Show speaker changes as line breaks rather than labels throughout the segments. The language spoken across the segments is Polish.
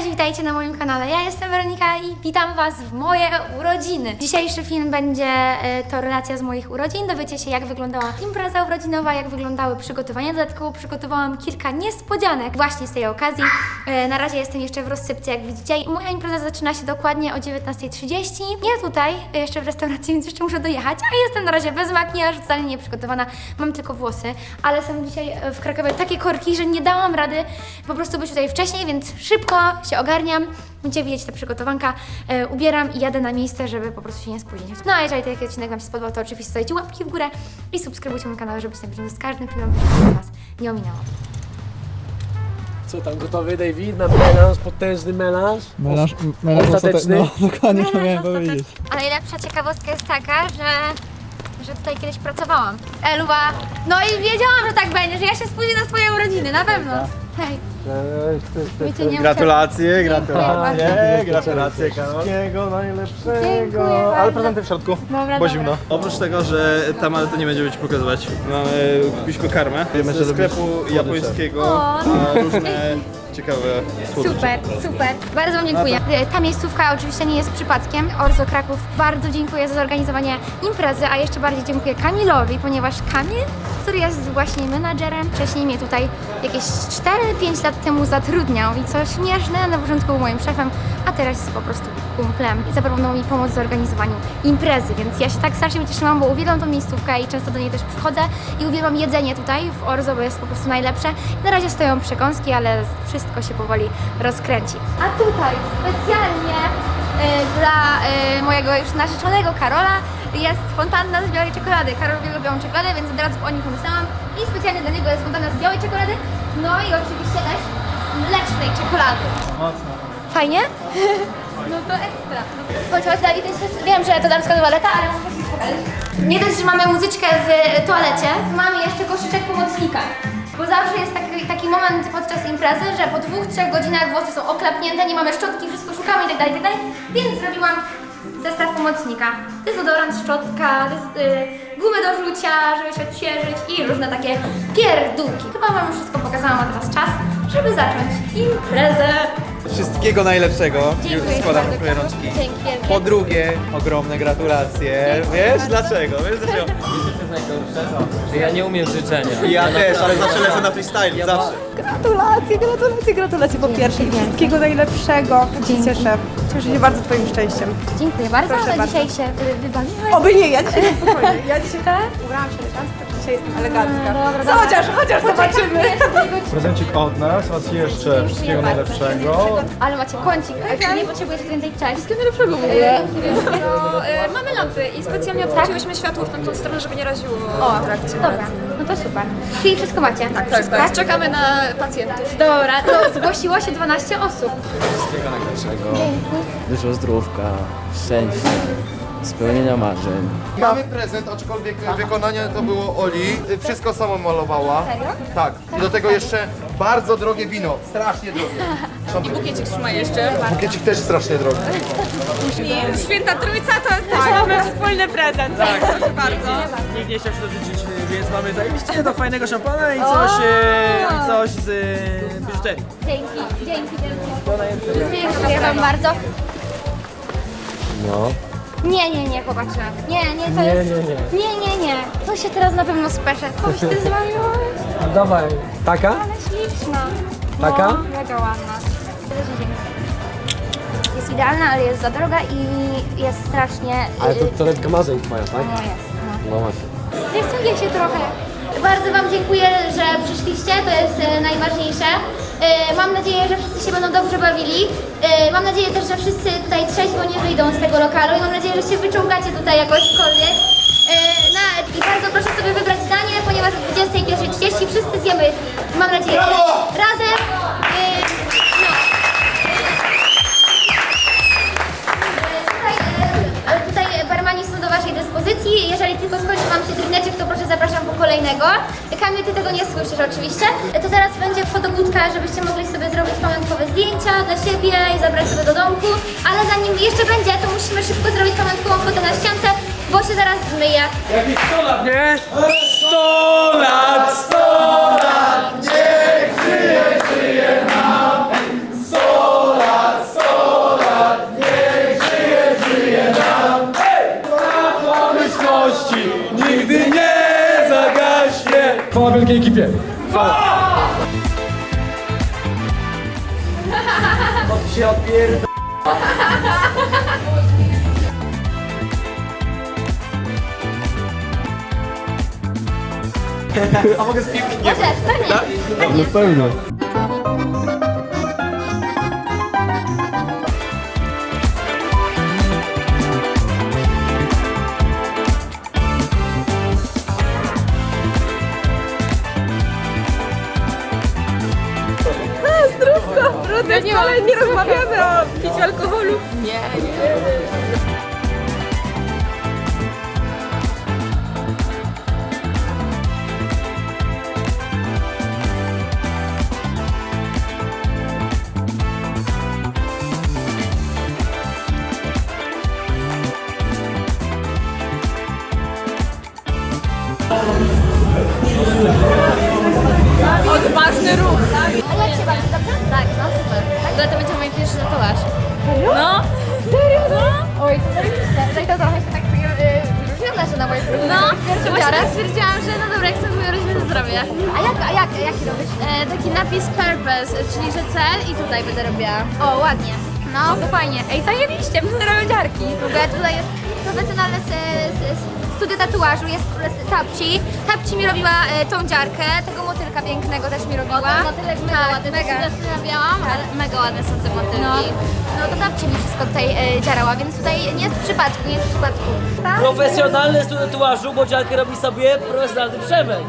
Cześć, witajcie na moim kanale. Ja jestem Weronika i witam Was w moje urodziny. Dzisiejszy film będzie to relacja z moich urodzin. Dowiecie się, jak wyglądała impreza urodzinowa, jak wyglądały przygotowania. Dodatkowo przygotowałam kilka niespodzianek właśnie z tej okazji. Na razie jestem jeszcze w rozsypce, jak widzicie. Moja impreza zaczyna się dokładnie o 19:30. Ja tutaj, jeszcze w restauracji, więc jeszcze muszę dojechać, a jestem na razie bez makijażu, totalnie nieprzygotowana. Mam tylko włosy, ale są dzisiaj w Krakowie takie korki, że nie dałam rady po prostu być tutaj wcześniej, więc szybko się ogarniam. Będziecie widzieć te przygotowanka, ubieram i jadę na miejsce, żeby po prostu się nie spóźnić. No a jeżeli taki odcinek Wam się spodobał, to oczywiście dajcie łapki w górę i subskrybujcie mój kanał, żeby być na bieżąco z każdym filmem, żeby Was nie ominęło.
Co tam, gotowy David na melanż, potężny melanż?
Melanż
ostateczny?
No dokładnie to miałem powiedzieć.
A najlepsza ciekawostka jest taka, że tutaj kiedyś pracowałam. Eluwa, no i wiedziałam, że tak będzie, że ja się spóźnię na swoje urodziny, na pewno. Hej. Wiecie, nie
Gratulacje,
gratulacje,
Karol.
Wszystkiego najlepszego.
Dziękuję
Ale
bardzo.
prezenty w środku,
Dobra,
bo
dobra.
zimno.
Oprócz tego, że tam, ale to nie będziemy Ci pokazywać. Kupiliśmy karmę ze sklepu japońskiego,
O.
a różne ciekawe słodycze.
Super, super. Bardzo Wam dziękuję. Ta miejscówka oczywiście nie jest przypadkiem. Orzo Kraków, bardzo dziękuję za zorganizowanie imprezy, a jeszcze bardziej dziękuję Kamilowi, ponieważ Kamil, który jest właśnie menadżerem, wcześniej mnie tutaj jakieś 4-5 lat temu zatrudniał i co śmieszne, na początku był moim szefem, a teraz jest po prostu kumplem i zaproponował mi pomoc w zorganizowaniu imprezy, więc ja się tak strasznie ucieszyłam, bo uwielbiam tą miejscówkę i często do niej też przychodzę i uwielbiam jedzenie tutaj w Orzo, bo jest po prostu najlepsze. Na razie stoją przekąski, ale wszystko się powoli rozkręci. A tutaj specjalnie dla mojego już narzeczonego Karola jest fontanna z białej czekolady. Karol lubi białą czekoladę, więc od razu o nim pomyślałam i specjalnie dla niego jest fontanna z białej czekolady, no i oczywiście też mlecznej czekolady.
Mocno.
Fajnie? No to ekstra. Chodź, Dawid, wiem, że to damska toaleta, ale muszę ci pokazać. Nie dość, że mamy muzyczkę w toalecie, mamy jeszcze koszyczek pomocnika. Bo zawsze jest taki moment podczas imprezy, że po 2-3 godzinach włosy są oklapnięte, nie mamy szczotki, wszystko szukamy itd., więc zrobiłam zestaw pomocnika. Dezodorant, szczotka, gumy do rzucia, żeby się odświeżyć i różne takie pierdółki. Chyba Wam już wszystko pokazałam, a teraz czas, żeby zacząć imprezę.
Wszystkiego najlepszego.
Dziękuję
Już składam
bardzo.
twoje rączki.
Dzięki wielkie.
Po drugie, ogromne gratulacje.
Dziękuję
Wiesz
bardzo.
dlaczego? Wiesz dlaczego?
Że ja nie umiem życzenia.
Ja też, ale zawsze lecę na freestyle, zawsze.
Gratulacje po pierwsze i wszystkiego najlepszego. Tak się cieszę. Cieszę się bardzo Twoim szczęściem.
Dziękuję bardzo,
Proszę
ale
bardzo.
dzisiaj się wybawiłeś.
Oby nie, ja dzisiaj spokojnie. Ja dzisiaj ubrałam się elegancko, tak dzisiaj jestem elegancka.
Dobra,
Chociaż zobaczymy.
Prezencik od nas, raz jeszcze wszystkiego najlepszego.
Ale macie kącik, nie potrzebujesz więcej cześć.
Najlepszego w ogóle. Mamy lampy i specjalnie odwróciłyśmy światło w tamtą stronę, żeby nie raziło w trakcie.
Dobra, no to super. Czyli wszystko macie? Tak,
Tak. Czekamy na pacjentów.
Dobra, to zgłosiło się 12 osób.
Wszystkiego najlepszego. Dużo zdrówka, szczęścia, spełnienia marzeń.
Mamy prezent, aczkolwiek wykonanie to było Oli. Wszystko samo malowała.
Serio?
Tak. I do tego jeszcze bardzo drogie wino. Strasznie drogie.
I bukiecik trzyma jeszcze.
Bukiecik też strasznie drogi.
Święta Trójca to jest też mamy wspólny prezent. Tak, proszę bardzo.
Nikt nie chciał się dożyczyć, więc mamy zajebiście do fajnego szampana i coś z biżuterii.
Dzięki. Dziękuję Wam bardzo.
No.
Nie, chłopacze. Nie, to jest... Nie. To się teraz na pewno speszę. Coś ty zwariowałeś?
Dawaj. Taka?
Ale śliczna.
Taka?
No, mega ładna. Bardzo dziękuję. Jest idealna, ale jest za droga i jest strasznie...
Ale to torebka marzeń twoja, tak?
No jest, no.
No właśnie.
Stresuję się trochę. Bardzo Wam dziękuję, że przyszliście, to jest najważniejsze. Mam nadzieję, że wszyscy się będą dobrze bawili. Mam nadzieję też, że wszyscy tutaj trzeźwo nie wyjdą z tego lokalu i mam nadzieję, że się wyczołgacie tutaj jakośkolwiek. I bardzo proszę sobie wybrać danie, ponieważ o 21:30 wszyscy zjemy, mam nadzieję, razem. Tutaj barmani są do Waszej dyspozycji. Jeżeli tylko skończy Wam się drineczek, to proszę zapraszam po kolejnego. Kamil, Ty tego nie słyszysz oczywiście. To zaraz będzie fotobudka, żebyście mogli sobie zrobić pamiątkowe zdjęcia dla siebie i zabrać sobie do domku. Ale zanim jeszcze będzie, to musimy szybko zrobić pamiątkową fotę na ściance, bo się zaraz zmyje.
Jakieś 100 lat, nie? 100 lat, 100 lat, niech żyje nam. 100 lat.
Dzięki ekipie.
A mogę z piłki? Nie.
Możesz, pewnie.
No pewnie.
Trudne, ale nie rozmawiamy o piciu alkoholu. Odważny ruch.
A jak się bawisz, dobrze? Tak, no super. Tak, to będzie mój pierwszy tatuaż. Serio? No. Serio? No. Oj, to zajebiście. Tutaj to trochę się tak różnione, że na moje próby. No, to właśnie tak stwierdziłam, że no dobra, jak chcę moją rodzinę, to zrobię. A jaki robisz? Taki napis purpose, czyli że cel i tutaj będę robiła. O, ładnie. No, to fajnie. Ej, zajebiście, będę robić dziarki. W ogóle tutaj jest profesjonalne studio tatuażu, jest Tapci. Tapci mi robiła tą dziarkę, tego motylka pięknego też mi robiła. Motylek mega ładny, mega. Zastanawiałam, ale mega ładne są te motylki. No to Tapci mi wszystko tutaj dziarała, więc tutaj nie jest w przypadku, nie jest w przypadku. Tak?
Profesjonalny studio tatuażu, bo dziarkę robi sobie profesjonalny Przemek.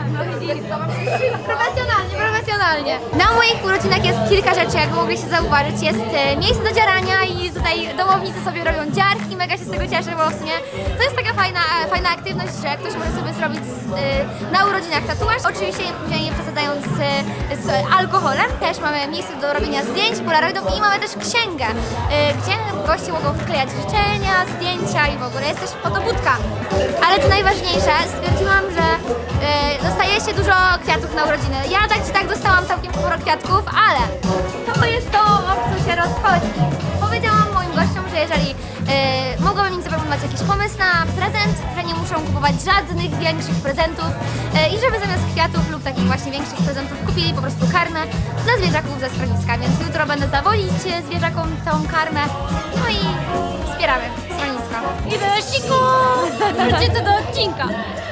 Profesjonalnie. Na moich urodzinach jest kilka rzeczy, jak mogliście zauważyć. Jest miejsce do dziarania i tutaj domownicy sobie robią dziarki, mega się z tego cieszę, bo w sumie to jest taka fajna aktywność, że ktoś może sobie zrobić na urodzinach tatuaż. Oczywiście później nie przesadzając z alkoholem. Też mamy miejsce do robienia zdjęć polaroidów i mamy też księgę, gdzie goście mogą wklejać życzenia, zdjęcia i w ogóle jest też fotobudka. Ale co najważniejsze, stwierdziłam, że dostaje się dużo kwiatów na urodziny. Ja tak czy tak dostałam całkiem sporo kwiatków, ale to jest to, o co się rozchodzi. Powiedziałam moim gościom, że jeżeli mogłabym im zaproponować jakiś pomysł na prezent, że nie muszą kupować żadnych większych prezentów i żeby zamiast kwiatów lub takich właśnie większych prezentów kupili po prostu karmę dla zwierzaków ze schroniska. Więc jutro będę zawozić zwierzakom tą karmę, no i wspieramy schronisko. I do ściku! Wróćcie do odcinka.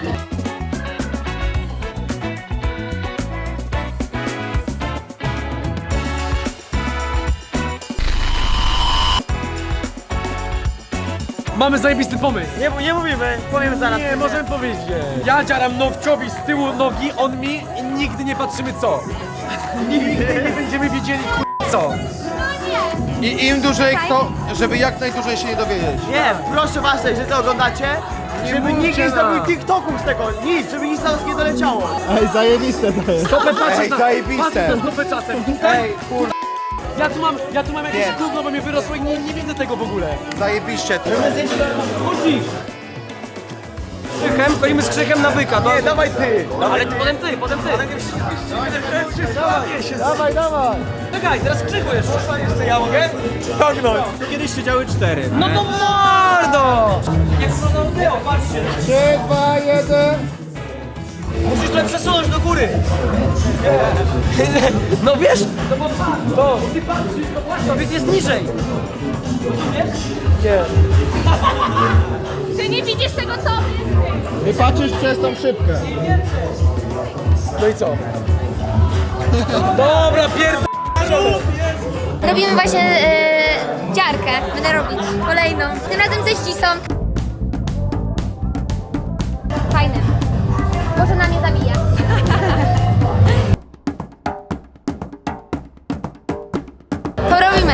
Mamy zajebisty pomysł.
Nie mówimy, powiem zaraz.
Nie, możemy powiedzieć. Ja dziaram Nowciowi z tyłu nogi, on mi i nigdy nie patrzymy co. Nigdy nie będziemy wiedzieli co.
I im dłużej kto, żeby jak najdłużej się nie dowiedzieć.
Nie, proszę was, że to oglądacie, żeby nikt nie zrobił TikToków z tego, nic, żeby nic na nas nie doleciało.
Ej, zajebiste to jest.
Stopę patrzysz
Ej,
na...
zajebiste.
Patrz na stopę czasem.
Ej, kur...
Ja tu mam jakieś
Nie.
gówno, bo mnie wyrosło i nie widzę tego w ogóle.
Zajebiście to.
Chodzisz. Krzychem, stoimy z krzychem na byka.
Nie, dawaj ty.
Ale potem ty.
Dawaj, dawaj.
Czekaj, teraz krzyku jeszcze.
Jeszcze ja mogę? Ciągnąć. Kiedyś siedziały 4.
No to mordo! Jak to było, patrzcie.
3, 2, 1.
Musisz trochę przesunąć do góry. No wiesz, to ty patrzysz, to właśnie, obiekt jest niżej. Rozumiesz?
Ty nie widzisz tego, co?
Ty patrzysz przez tą szybkę.
No i co? Dobra,
Robimy właśnie dziarkę. Będę robić kolejną. Tym razem ze ścisą. Fajne. Może na mnie zabija. To robimy.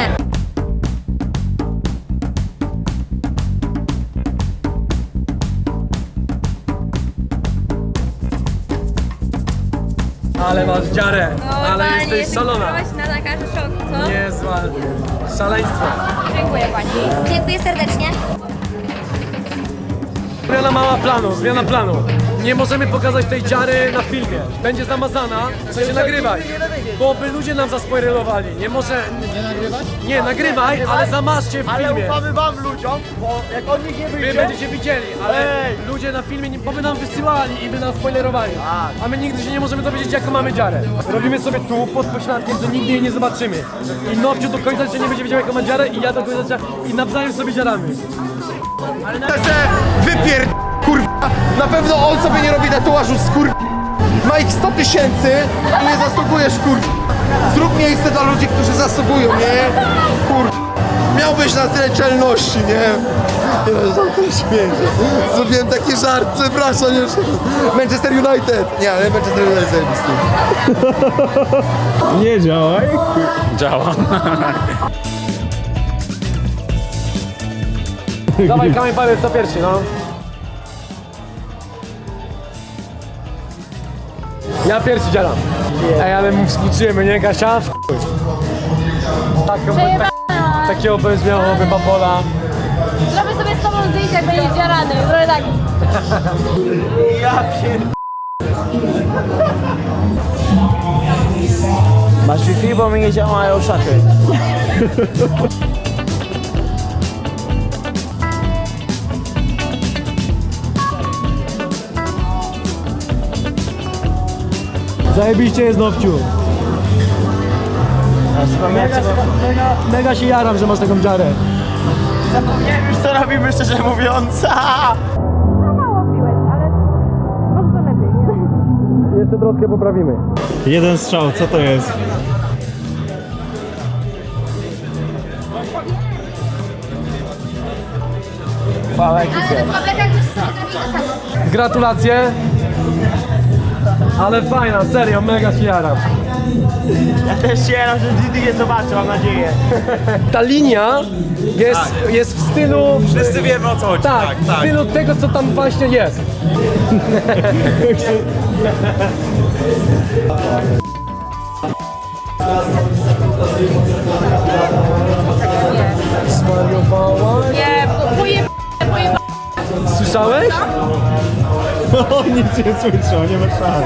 Ale masz dziarę, ale jesteś szalona.
Na lekarzy szok, co?
Niezła. Szaleństwo.
Dziękuję pani. Dziękuję serdecznie.
zmiana planu. Nie możemy pokazać tej dziary na filmie. Będzie zamazana, w sensie nagrywaj. Bo by ludzie nam zaspoilerowali. Nie może... Nie nagrywać? Nie, nagrywaj, ale zamazcie w filmie.
Ale ufamy wam ludziom, bo jak on nikt nie
Wy
wyjdzie...
będziecie widzieli, ale ludzie na filmie bo by nam wysyłali i by nam spoilerowali. A my nigdy się nie możemy dowiedzieć, jaką mamy dziarę. Robimy sobie tu pod pośladkiem, że nigdy jej nie zobaczymy. I Nowciu do końca życia nie będzie wiedział, jaką ma dziarę i ja do końca życia i nawzajem sobie dziarami.
Wypier... kurwa! Na pewno on sobie nie robi tatuażu z kur... Ma ich 100 000 i nie zasługujesz kur... Zrób miejsce dla ludzi, którzy zasługują, nie? Kur... Miałbyś na tyle czelności, nie? Nie, za to śmieję. Zrobiłem taki żart, przepraszam już. Manchester United! Nie, ale Manchester United zajebisty.
Nie działaj.
Działa.
Dawaj kamień palec, to pierwszy, no. Ja pierwszy dzielam. Ej, ale mu współczujemy, nie Kasia? Takiego bez miałoby babola.
Zrobię sobie z tobą zdjęcie, jak będziesz dziarany. Zrobię tak.
Masz Wi-Fi, bo mi nie działają szachy.
Zajebiście jest, Nowciu. Mega się jaram, że masz taką dziarę.
Zapomniałem już co robimy, szczerze mówiąc.
Jeszcze troszkę poprawimy.
Jeden strzał, co to jest?
Ale w tabletach już sobie zrobili to samo.
Gratulacje. Ale fajna, serio, mega się jaram.
Ja też się jaram, że nigdy nie zobaczę, mam nadzieję.
Ta linia jest w stylu...
Wszyscy wiemy, o co chodzi.
Tak, w stylu tego, co tam właśnie jest. Zwariowała?
Nie,
Słyszałeś?
On nic nie słyszał, nie ma szans.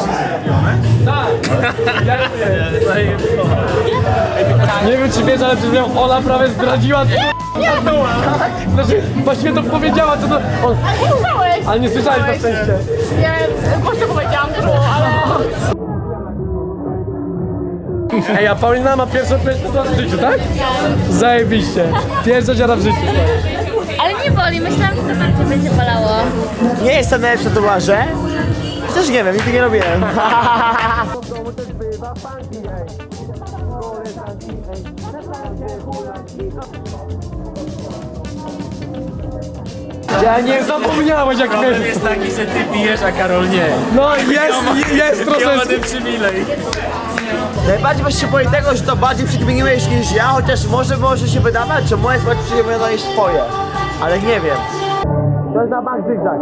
Nie wiem, czy wiesz, ale przed chwilą Ola prawie zdradziła. Znaczy, właściwie to powiedziała, co to... Ale nie słyszałeś na szczęście.
Właśnie powiedziałam dużo, ale...
Ej, a Paulina ma pierwszą tatuaż w życiu, tak? Zajebiście. Pierwsza dziara w życiu.
Ale nie boli, myślałam, że to bardziej będzie bolało.
Nie jestem najlepszy w tatuaże. Też nie wiem, nigdy nie robiłem.
Ja nie zapomniałeś, jak
Problem
miałeś.
jest taki, że ty pijesz, a Karol nie.
No jest
Ja
trochę...
mam ten przywilej.
Najbardziej właśnie się boję tego, że to bardziej przykminiłeś niż ja, chociaż może się wydawać, że moje jest bardziej przykminione niż twoje. Ale nie wiem. To jest na bank zygzak.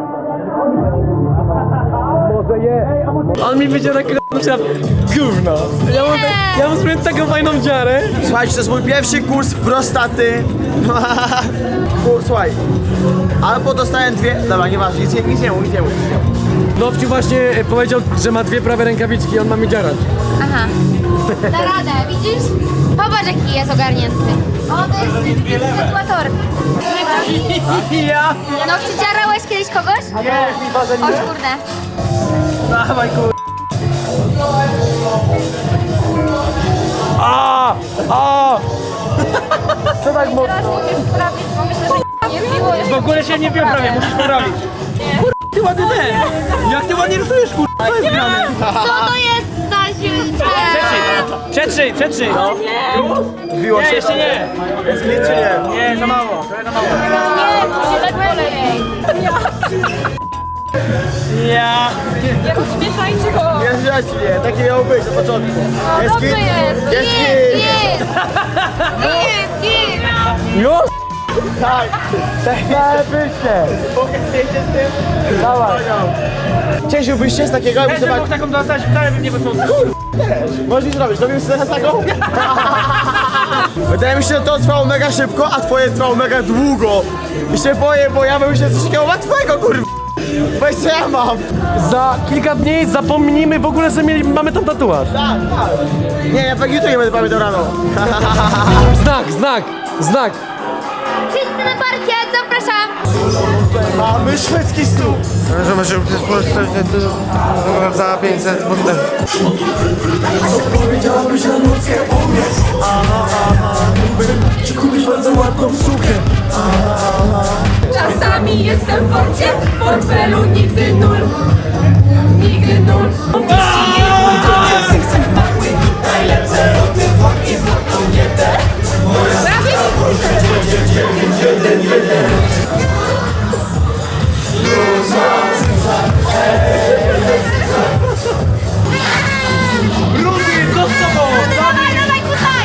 Może je. On mi wyciera na przykład gówno. Ja mam sobie taką fajną dziarę.
Słuchajcie, to jest mój pierwszy kurs prostaty. Słuchaj. Albo dostałem dwie... Dobra, nieważne, nic nie mów.
Nowciu właśnie powiedział, że ma dwie prawe rękawiczki i on ma mi dziarać.
Aha. Da radę, widzisz? Popatrz, jaki jest ogarnięty. O, to jest tatuator.
Ja!
No, czy dziarałeś kiedyś kogoś?
Nie, chyba, że
O
nie.
kurde.
Dawaj, kur...
Co tak mocno?
Teraz musisz sprawić, bo myślę, że nie biło jeszcze.
W ogóle się nie bił prawie, musisz poprawić. Kur... Ty ładny ten! Jak ty ładnie rysujesz, kur... To jest grane.
Co to jest za
Przetrzyj, no. Biło się? Jeszcze nie. Jest git czy nie? Nie, za mało.
Nie, musi tak lepiej.
Ja.
Nie rozśmieszajcie go.
Nie zjaśnie, takie miało być na początku. Jest
Dobrze
git?
jest.
Jest git.
Już?
Tak. Zajebiście. Mogę zdjęcie z tym? Dawaj. Cieszyłbyś się z takiego? Ja bym mógł taką dostać, wcale bym nie wysłał. Kur... Też. Możesz mi zrobić, zrobimy sobie z taką? Wydaje mi się, że to trwało mega szybko, a twoje trwało mega długo. I się boję, bo ja bym się coś takiego łatwego, kurwa. Weź co ja mam.
Za kilka dni zapomnijmy w ogóle, że mamy tam tatuaż.
Tak. Nie, ja tak jutro nie będę pamiętał rano.
Znak.
Wszyscy na parkiet, zapraszam!
Mamy szwedzki stół.
Że się za 500 potem.
Powiedziałabyś na nockę, powiedz. Czy kupisz bardzo ładną sukę?
Czasami jestem w forcie, w portfelu nigdy nul. Nigdy nul.
Dawaj, tutaj!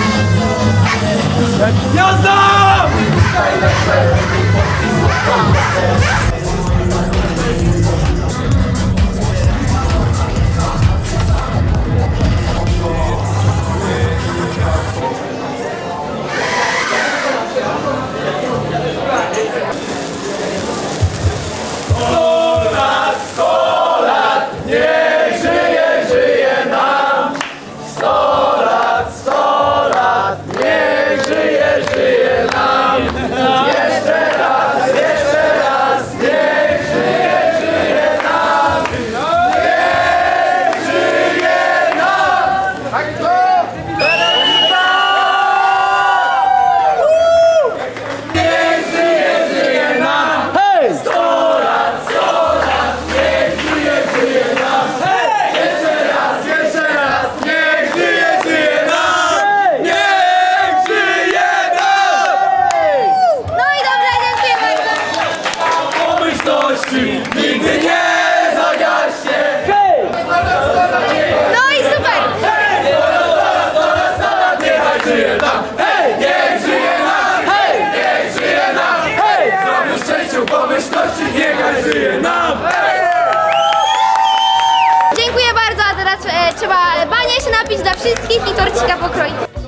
No i dobrze, dziękuję bardzo.
Nigdy nie zagaśnie.
No i super!
Niechaj żyje nam. Hej, niech żyje nam. Hej, niech żyje nam. Hej, zdrowiu, szczęściu, pomyślności, niechaj żyje nam.
Dziękuję bardzo, a teraz trzeba banie się napić dla wszystkich i torcika pokroić.